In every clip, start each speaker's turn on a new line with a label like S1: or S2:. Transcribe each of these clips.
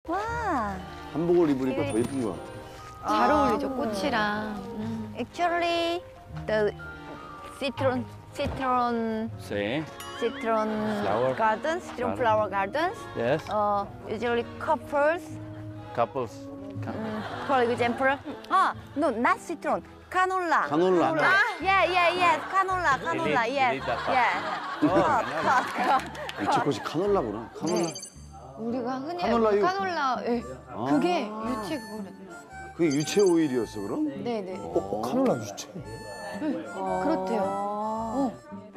S1: 와.
S2: 한복을 입으니까 더 예쁜 거야.
S3: 잘 어울리죠, 꽃이랑.
S1: Actually, the citron
S4: Sí.
S1: citron gardens, citron flower gardens.
S4: Yes.
S1: Usually couples.
S4: Couples.
S1: For example, no, not citron. Canola.
S2: 카놀라.
S1: Yes. Canola. Yes.
S4: Elita.
S1: Yeah.
S2: 유채꽃이 카놀라구나. 카놀라.
S3: 우리가 흔히
S2: 카놀라유.
S3: 카놀라, 예. 그게 유채 그거래.
S2: 그게 유채 오일이었어 그럼?
S3: 네네.
S5: 카놀라 유채.
S3: 그렇대요.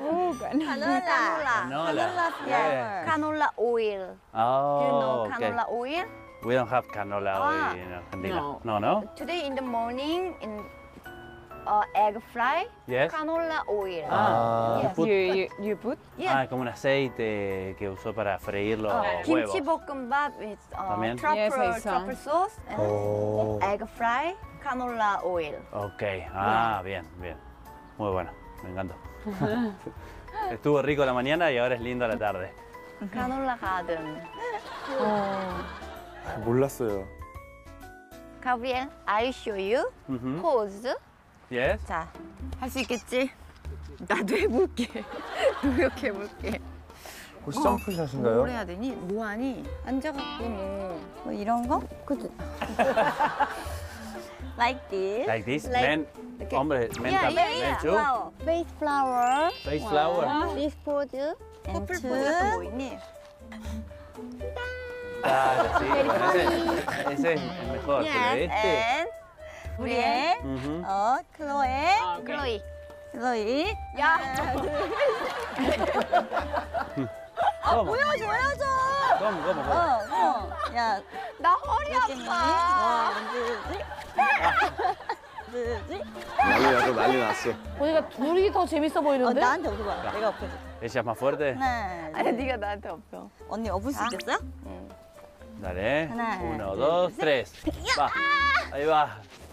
S1: Canola.
S4: Yeah.
S1: Canola oil.
S4: Oh,
S1: Do you know
S4: okay.
S1: canola oil?
S4: We don't have canola oil in Argentina. No.
S1: Today in the morning in egg fry,
S4: Yes.
S1: canola oil.
S4: Ah,
S1: Yes.
S6: You put?
S1: Yeah.
S4: como un aceite que usó para freír los
S1: Kimchi
S4: huevos.
S1: bokkeumbap with
S4: También?
S6: Yes, I saw.
S1: truffle sauce and egg fry, canola oil.
S4: Ok, bien. Muy bueno, me encantó. Estuvo rico la mañana y ahora es lindo la tarde.
S1: Canola garden.
S5: 몰랐어요.
S1: Gabriel, I show you
S4: Mhm.
S1: pose.
S4: Yes.
S1: 자, 할 수 있겠지? 나도 해볼게. 노력해볼게.
S5: 혹시 점프샷인가요?
S1: 뭘 해야 되니? 뭐하니? 앉아갖고 뭐 이런 거? 그치? Like this.
S4: Like this,
S1: Like-
S4: men,
S1: 이렇게.
S4: hombre, men,
S1: Yeah,
S4: men
S1: yeah.
S4: too.
S1: Flower. Face flower.
S4: Face flower.
S1: This pose. 커플 포즈 보이니?
S4: Claro, sí, bueno, ese es el mejor, pero
S1: Yes,
S4: este.
S1: and 우리의
S4: Ujú.
S1: 클로이. 클로이. 야.
S4: ¿Cómo?
S1: 보여줘.
S4: ¿Cómo?
S1: 야. 나 허리 아파.
S2: 난리 났어.
S7: 보니까 둘이 더 재밌어 보이는데?
S1: 나한테 엎어봐. 내가 엎어줘.
S4: ¿Ella es más fuerte?
S1: 하나.
S3: 아니, 네가 나한테 엎어.
S1: 언니 엎을 수 있겠어?
S4: Dale.
S1: Una,
S4: 1, 2, 3. Va. Ahí va.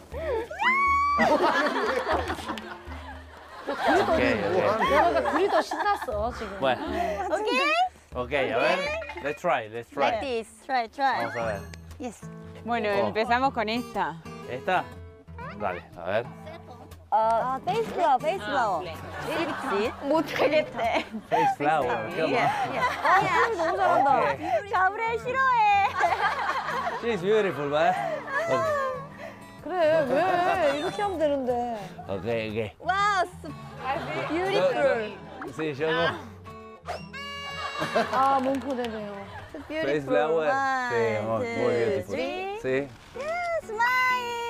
S4: Ok.
S7: 그러니까 둘이 더 신났어 지금.
S4: Bueno.
S1: 오케이.
S4: Ok, a ver. Let's try.
S1: Like this. Try.
S4: Vamos a ver.
S1: Yes.
S6: Bueno,
S4: Oh.
S6: empezamos con esta.
S4: ¿Esta? Dale, a ver.
S1: Face flower. 그렇지. 못하겠대.
S4: Face flower. ¿Qué más?
S1: 너무 잘한다.
S4: Ok.
S1: 가브리엘 싫어해.
S4: She's beautiful, ¿vale?
S7: 그래 왜 이렇게 하면 되는데.
S4: Ok.
S1: 와우, beautiful.
S4: Sí, yo no.
S7: 아 몽크네네요.
S4: Face flower. Sí, muy beautiful.
S1: three.
S4: Sí.
S1: 스마일.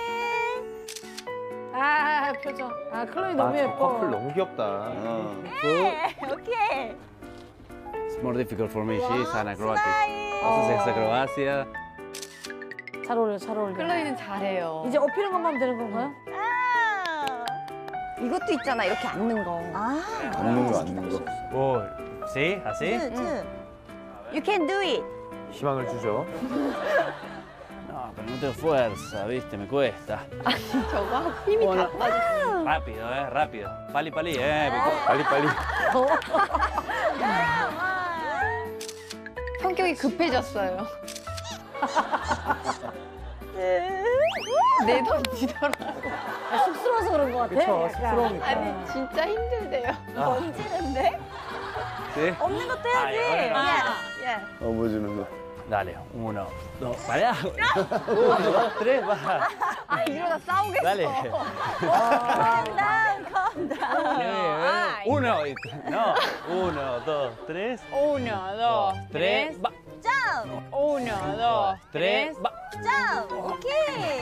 S7: 아 표정. 아 클로이 너무
S5: 저
S7: 예뻐.
S5: 커플 너무 귀엽다.
S1: 오케이.
S4: It's more difficult for me. She's an acrobatic.
S1: 스마일.
S4: Haces acrobacia.
S7: 잘 어울려 잘 어울려.
S3: 클로이는 잘해요.
S7: 이제 엎이는 것만 하면 되는 건가요?
S3: 이것도 있잖아, 이렇게 앉는 거.
S2: 앉는 거.
S4: Oh, ¿sí? ¿Así?
S1: You can do it.
S5: 희망을 주죠.
S4: No, pero no tengo fuerza, ¿viste? Me cuesta.
S3: 저거 힘이 다 빠졌어.
S4: Rápido, rápido. Pali,
S5: 빨리.
S3: 성격이 급해졌어요. 내던지더라고.
S7: 아, 쑥스러워서 그런 것 같아.
S5: 그쵸,
S7: 약간.
S5: 쑥스러우니까.
S3: 아니, 진짜 힘들대요.
S1: 던지는데?
S4: ¿Sí?
S1: 없는 것도
S4: Ay,
S1: 해야지.
S4: bueno.
S2: 업어주는 거.
S4: Dale, 1, 2, para. 1, 2, 3, va.
S3: 아, 이러다 싸우겠어.
S4: Dale.
S1: Calm down.
S4: 1, no. 1, 2, 3.
S6: 1, 2,
S4: 3, va.
S1: Jump.
S6: 1, 2,
S4: 3, va.
S1: Jump. 오케이.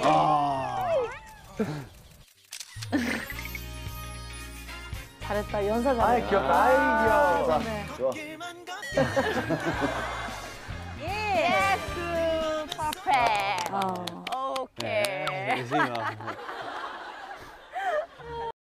S7: 잘했다 연사 잘했다.
S5: 귀엽다.
S2: 좋아.
S1: Yes. Perfect.
S7: 아.
S1: 오케이.
S4: Hicimos.